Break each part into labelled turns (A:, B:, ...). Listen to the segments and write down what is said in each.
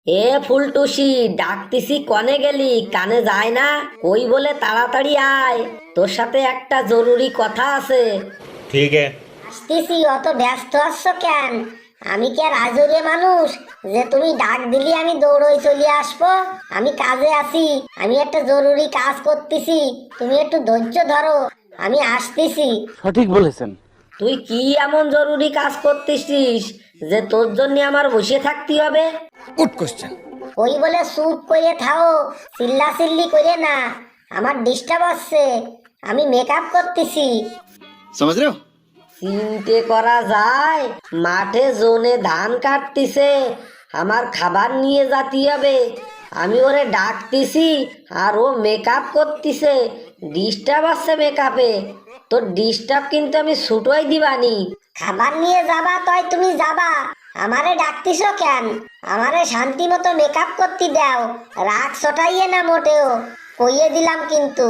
A: এ ফুলটুসি, ডাকতিছি কনে গেলি? কানে যায় না? কই বলে তাড়াতাড়ি আয়, তোর সাথে একটা জরুরি কথা আছে।
B: ठीक है।
C: আসতেছি, অত ব্যস্ত আছো কেন? আমি কি আর আজরে মানুষ যে তুমি ডাক দিলি আমি দৌড়ই চলে আসবো? আমি কাজে আছি, আমি একটা জরুরি কাজ করতেছি, তুমি একটু ধৈর্য ধরো, আমি আসতেছি।
D: সঠিক বলেছেন।
A: তুই কি এমন জরুরি কাজ করতেছিস যে তোর জন্য আমার বসে থাকতে হবে?
E: Good question.
C: ওই বলে চুপ করে থাও, চিল্লা চিল্লি করে না, আমার ডিস্টার্ব হচ্ছে, আমি মেকআপ করতেছি।
E: समझ रहे हो?
A: চিনতে করা যায়, মাঠে জোনে ধান কাটতিছে, আমার খাবার নিয়ে যাতে হবে, আমি ওরে ডাকতেছি আর ও মেকআপ করতেছে, ডিস্টার্ব আছে মেকআপে। তোর ডিস্টার্ব কিন্তু আমি ছুটোই দিবানি।
C: খাবার নিয়ে যাবা তয় তুমি যাবা, আমারে ডাকতিছো কেন? আমারে শান্তি মতো মেকআপ করতে দাও, রাগ ছটাইয়ে না মোটেও, কইয়ে দিলাম কিন্তু।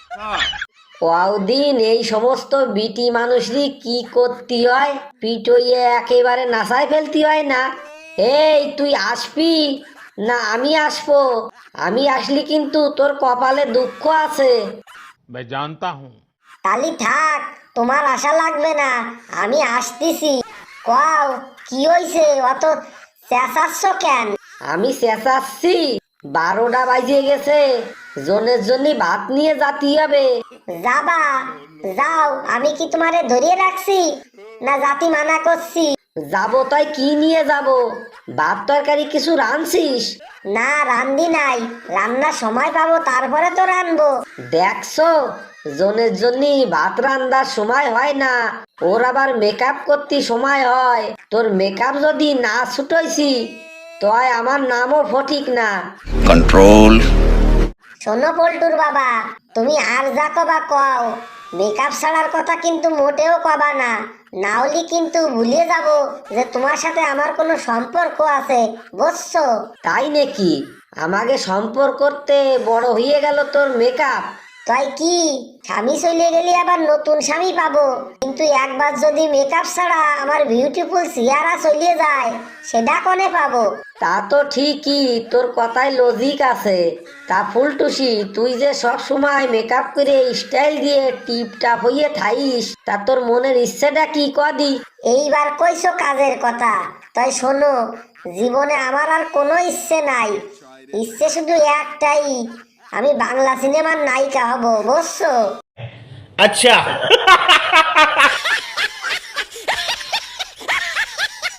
A: কদিন এই সমস্ত বিটি মানুষই কি করতে হয়, পিটইয়ে একেবারে নাসায় ফেলতে হয় না? এই তুই আসবি না আমি আসবো? আমি আসলি কিন্তু তোর কপালে দুঃখ আছে।
B: मैं जानता हूँ।
C: তালি থাক, তোমার আশা লাগবে না, আমি আসতেছি। কও কি হইছে, অত চেঁচাচ্ছ কেন?
A: আমি চেঁচাচ্ছি, 12টা বাজিয়ে গেছে, জনের জন্য ভাত নিয়ে যাতে হবে।
C: যাবা, যাও, আমি কি তোমারে ধরিয়ে রাখছি না জাতি মানা করছি?
A: যাবো তাই কি নিয়ে যাব? ভাত তরকারি কিছু রাঁধছিস?
C: না রান্ধি নাই, রান্নার সময় পাবো তারপরে তো রানবো।
A: দেখছো, জনের জন্য ভাত রান্দার সময় হয় না, ওর আবার মেকআপ করতে সময় হয়। তোর মেকআপ যদি না ছুটাইছি তয় আমার নামও ফটিক না।
E: कंट्रोल।
C: শোনো পল্টুর বাবা, তুমি আর যা কবা কও, মেকআপ ছাড়ার কথা কিন্তু মোটেও কবা না, না হলে কিন্তু ভুলিয়ে যাব যে তোমার সাথে আমার কোনো সম্পর্ক আছে, বুঝছো?
A: তাই নাকি? আমাকে সম্পর্ক করতে বড় হয়ে গেল তোর মেকআপ?
C: তাই কি, স্বামী চলে গেলে আবার নতুন স্বামী পাবো, কিন্তু একবার যদি মেকআপ ছাড়া আমার বিউটিফুল চেহারা চলে যায়, সেটা কোনে পাবো?
A: তা তো ঠিকই, তোর কথায় লজিক আছে। তা ফুলটুসি, তুই যে সব সময় মেকআপ করে স্টাইল দিয়ে টিপটাপ হইয়ে থাইস, তা তোর মনের ইচ্ছেটা কি কদি?
C: এইবার কইছো কাজের কথা, তাই শোনো, জীবনে আমার আর কোনো ইচ্ছে নাই, ইচ্ছে শুধু একটাই, আমি বাংলা সিনেমার নায়িকা হব, বুঝছো?
B: अच्छा।